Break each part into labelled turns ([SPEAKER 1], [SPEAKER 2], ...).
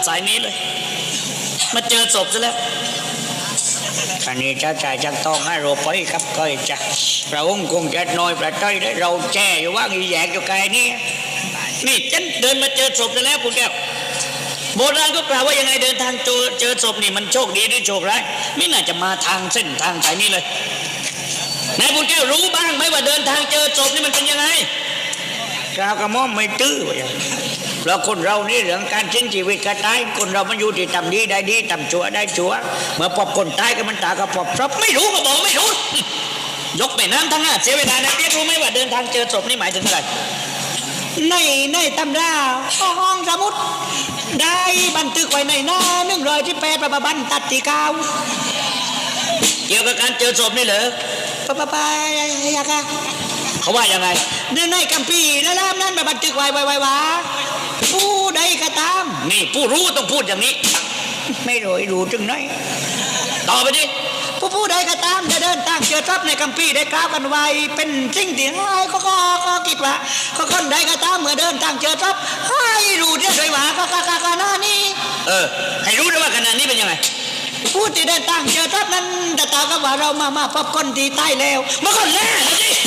[SPEAKER 1] สายนี้เลยมาเจอศพซะแล้วอันนี้เจ้าชายจังต้องให้เราไปครับก้อยจ้ะพระองค์คงจะน้อยประใจได้เราแช่อยู่ว่าอีแยกอยู่ไกลนี่นี่ฉันเดินมาเจอศพซะแล้วคุณแก้วโบราณก็กล่าวว่ายังไงเดินทางเจอศพนี่มันโชคดีหรือโชคร้ายไม่น่าจะมาทางเส้นทางสายนี้เลยนายคุณแก้วรู้บ้างไหมว่าเดินทางเจอศพนี่มันเป็นยังไงกล่าวกระหม่อมไม่ตื้อเพราะคนเรานี่เรื่องการสิ้นชีวิตก็ตายคนเรามันอยู่ที่ทำดีได้ดีทำชั่วได้ชั่วเมื่อพบคนตายก็มันตาก็พบศพไม่รู้ก็บอกไม่รู้ยกไปน้ำทั้งเสียเวลานะเรียกรู้ไหมว่าเดินทางเจอศพนี่หมายถึงอะไรในตำราห้องสมุดได้บันทึกไว้ในหน้า118ประบันตัดที่9เกี่ยวกับการเจอศพนี่เหรอไปยากะเขาว่ายังไงในคัมภีร์ในล่ามนั้นบันทึกไว้ว่าผู้ใดก็ตามนี่ผู้รู้ต้องพูดอย่างนี้ไม่รู้จึงไหนต่อไปดิผู้ใดก็ตามจะเดินทางเจอทรัพย์ในคัมภีร์ได้กล่าวกันไว้เป็นสิ่งที่ให้ก็คิดว่าคนใดก็ตามเมื่อเดินทางเจอทรัพย์ให้รู้เด้วยว่าขณะนี้ให้รู้ด้วยว่าขณะนี้เป็นยังไงผู้ที่เดินทางเจอทรัพย์นั้นจะตากับว่าเรามาพบคนที่ตายแล้วเมื่อคนแรกนะสิ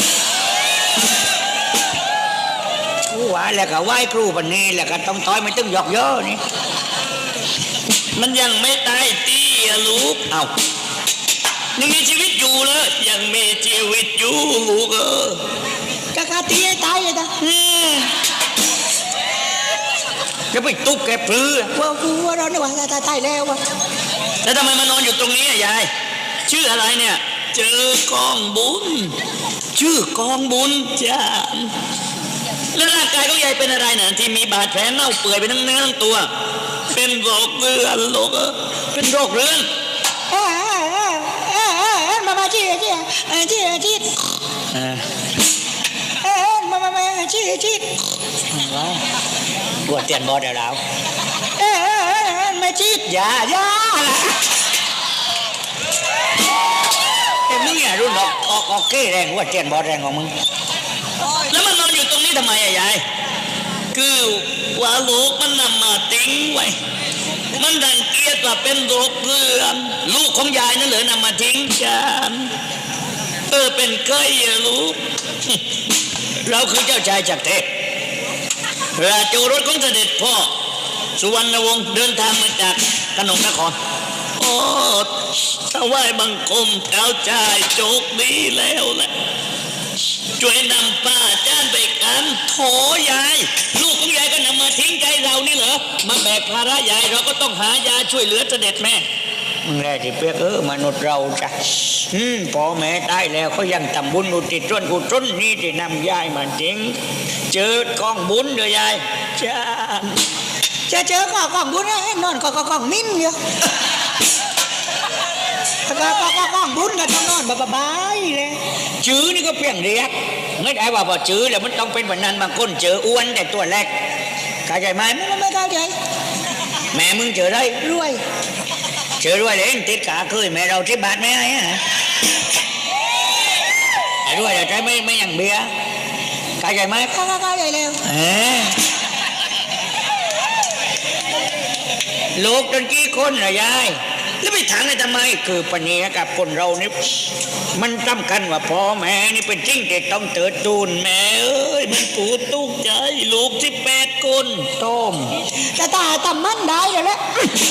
[SPEAKER 1] ว่าแล้วก็ไหว้ครูปันนี้แล้วก็ต้องถอยไม่ต้องหยอกเยอะนี่มันยังไม่ตายตีลูกเอายังมีชีวิตอยู่เลยยังมีชีวิตอยู่ลูกกะตีให้ตายเลยนะจะไปตุกแกปลื้อว่าเราเนี่ยว่าตายแล้ววะแล้วทำไมมานอนอยู่ตรงนี้ยายชื่ออะไรเนี่ยเจอกองบุญชื่อกองบุญจ้าแล้วร่างกายของยายเป็นอะไรน่ะที่มีบาดแผลเน่าเปื่อยไปทั้งเนื้อทั้งตัวเป็นโรคเรื้อนโรคเป็นโรคเรื้อนมาจี้มาจี้ปวดเตียนบอดเดี๋ยวเรามาจี้ยาแต่มึงอย่ารุ่นออกเก้แรงว่าเตียนบอดแรงของมึงแล้วมันนอนอยู่ตรงนี้ทำไมยายคือว่าลูกมันนำมาทิ้งไว้มันดังเกียจว่าเป็นโรคเรื้อนลูกของยายนั่นเหรอนำมาทิ้งกันเป็นเคยลูกเราคือเจ้าชายจากเทพราชโอรสของเสด็จพ่อสุวรรณวงศ์เดินทางมาจากกนกนครโอ้ถวายบังคมเจ้าชายโชคดีแล้วแหละช่วยนำป้าจ้านไปกันโถยายลูกของยายก็นำมาทิ้งใจเรานี่เหรอมาแบกภาระยายเราก็ต้องหายาช่วยเหลือเสด็จแม่มึงแรกที่เปียกมนุษย์เราจ้ะพ่อแม่ตายแล้วเขายังทำบุญอุทิศส่วนกุศลนี่ที่นำยายมาทิ้งเจอกองบุญเด้อยายจ้าจะเจอกองบุญนอนกองมิ้นเยอะกองบุญก็ต้องนอนบายเลยจื้อนี่ก็เปลี่ยนเรียกไม่ได้ว่าพอจื้อแล้วมันต้องเป็นแบบนั้นบางคนเจออ้วนแต่ตัวเล็กเข้าใจไหมไม่เข้าใจแม่มึงเจอได้รวยเจอรวยเลยติดขาเคยแม่เราที่บาทไม่ให้ไอ้รวยแต่ใจไม่อย่างเบี้ยเข้าใจไหมเข้าใจแล้วลูกจนกี่คนเหรอยายแล้วไปถามเลยทำไมคือปัญญากับคนเรานี่มันสำคัญว่าพ่อแม่นี่เป็นจริงแต่ต้องเติดตูนแม่มันปูดตุกใจลูก18 คนต้มแต่ตาทำมันได้แล้วแหละ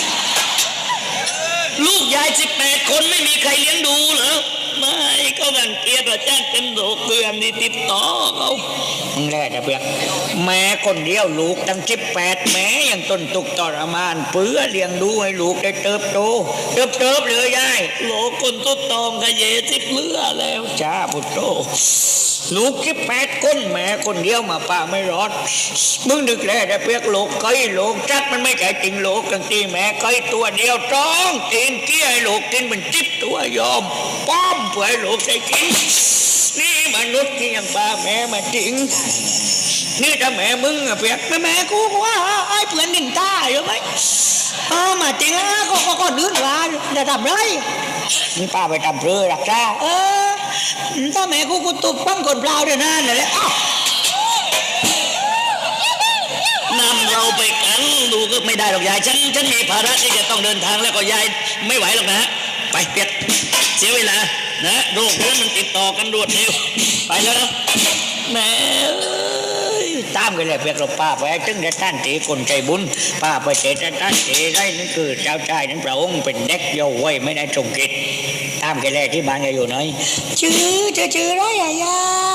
[SPEAKER 1] ลูกยาย18 คนไม่มีใครเลี้ยงดูเหรอไม่ก็รังเกียจว่าจ้างเป็นโรคเรื้อนนี่ติดต่อเขามึงแรกจะเปียกแม่คนเดียวลูกตั้ง18แม่ยังต้นตุกทรมานเพื่อเลี้ยงดูให้ลูกได้เติบโตเลยยายโลกคนตุดตองขยเยสิเลือแล้วจ้าพุทโธลูก18 คนแม่คนเดียวมาป่าไม่รอดมึงนึกแรกจะเปียกโลกไก่โลกจัดมันไม่ใช่จริงโลกกันตีแม่ไก่ตัวเดียวจ้องตีนเกี้ยให้โลกกินเป็น10 ตัวยอมป้อมเพื่อให้โลกได้กินนี่มนุษย์ที่ยังป่าแม่มาจริงนี่ถ้าแม่มึงเปียกแม่กูว่าไอ้เพื่อนนินตาอยู่ไหมมาจริงก็ดื้อว่าจะทำไรนี่ป้าไปทำเพื่อรักษาถ้าแม่กูตุบปั้งคนเปล่าเดี๋ยวนั้นเลยนำเราไปกันดูก
[SPEAKER 2] ก็ไม่ได้หรอกยายฉันมีภาระที่จะต้องเดินทางแล้วก็ยายไม่ไหวหรอกนะไปเปียกเสียเวลานะโรคเรื้อนมันติดต่อกันรวดเร็วไปแล้วนะแม่
[SPEAKER 1] ตามกันเลยเพียกเราป้าไปถึงได้ท่านตีคนใจบุญป้าไปเจตท่านตีได้นั่นคือเจ้าชายนั้นพระองค์เป็นเด็กเยาว์วัยไม่ได้ทรงกิจตามกันเลยที่บ้านอยู่ไหนชื่อไรยาย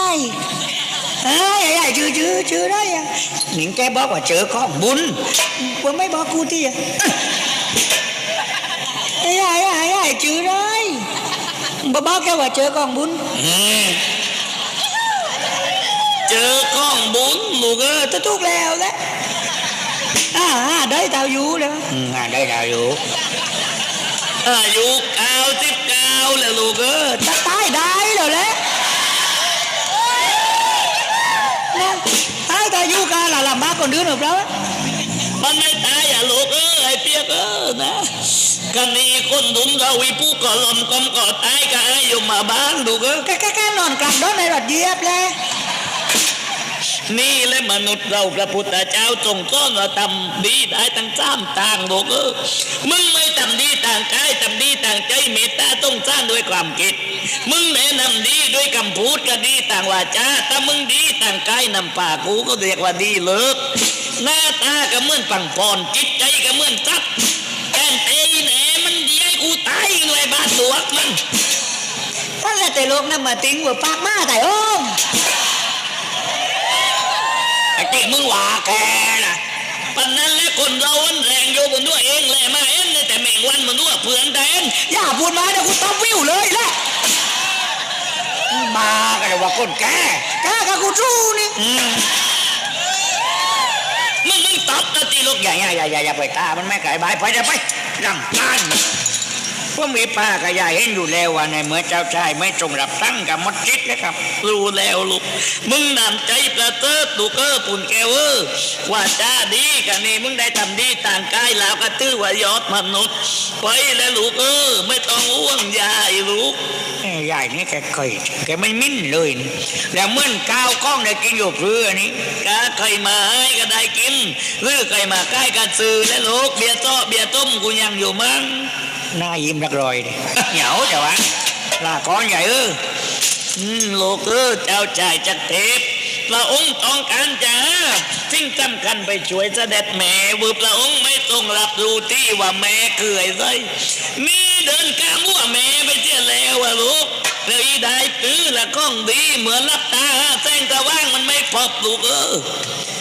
[SPEAKER 1] ยายชื่อไรหนิงแกบอกว่าเจอของบุญว่าไม่บอกกูที่ยายชื่อไรบอกแกว่าเจอของบุญ
[SPEAKER 2] เจอก้องบุญลูก
[SPEAKER 1] จะทุกแล้วแหละได้ดาวอยู่แล้วได้ดาวอยู่
[SPEAKER 2] อายุ99แล้วลูก
[SPEAKER 1] จะตายได้แล้วแหละตายแต่อยู่กันละลำบากคนเดือนหรือเปล่า
[SPEAKER 2] มันไม่ตายลูกไอ้เปียกนะกันนี้คนดุมเราวิผู้ก่อลมกลมก่อตายกันอยู่มาบ้านลูก
[SPEAKER 1] แกนอนกลับโดนในรถเยียบเลย
[SPEAKER 2] นี่และมนุษย์เราพระพุทธเจ้าทรงสอนว่าทำดีได้ทั้ง3 ต่างลูกมึงไม่ทำดีต่างกายทำดีต่างใจเมตตาต้องสร้างด้วยความคิดมึงแนะนำดีด้วยคำพูดก็ดีต่างวาจาถ้ามึงดีต่างกายนำปากกูก็เรียกว่าดีเลิกหน้าตาก็เหมือนปังปอนจิตใจก็เหมือนจับแกนเตยแหนมันดีให้กูตายเลยบาดตัวมัน
[SPEAKER 1] ท่านละแต่โลกนั้นมาติ้งว่าปากมาแต่
[SPEAKER 2] ไอ้ที่มึงว่าแกนะปันนั้นและคนเราวันแรงโยบนด้วยเองแหละมาเอ็นแต่แมงวันมันด้วยเพื่อนแต่เอ็น
[SPEAKER 1] อย่าพูดมาเดี๋ยวกูต้องวิวเลยแหละมากันเลยว่าคนแกกับกูจู้นี่
[SPEAKER 2] มึงตอบนะตีลูก
[SPEAKER 1] อย่าไปตามันไม่ไก่ใบไปจะไปรำคาญว่ามีป้ากับยายเห็นอยู่แล้วว่าในเมื่อเจ้าชายไม่ตรงรับตั้งกับมดจิตนะครับ
[SPEAKER 2] รู้แล้วลูกมึงนำใจประเสริฐลูกปุ่นแกวว่าจ้าดีกันนี่มึงได้ทำดีต่างกายแล้วก็ตื้อว่ายอดมนุษย์ไปแล้วลูกไม่ต้องอ้วงยายลูก
[SPEAKER 1] ยายนี่แกไม่มิ้นเลยแล้วเมื่อก้าวกล้องได้กินอยู่เพื่อนี้
[SPEAKER 2] ก็ใครมาให้ก็ได้กินหรือใครมาใกล้กันซื้อแล้วลูกเบียร์ต้มกูยังอยู่มั้ง
[SPEAKER 1] หน้ายิ้มรักรอยดิเหงาจ้ะวะลาก้อนใหญ่
[SPEAKER 2] ลูกเจ้าชายจักรเทพพระองค์ต้องการจะสิ่งสำคัญไปช่วยเสด็จแม่พระองค์ไม่ต้องรับรู้ที่ว่าแม่เกิดไรมีเดินกามั่วแม่ไปเที่ยวแล้วลูกเลยได้ตื้อละก้องดีเหมือนรับตาแสงตะว่างมันไม่พบลูก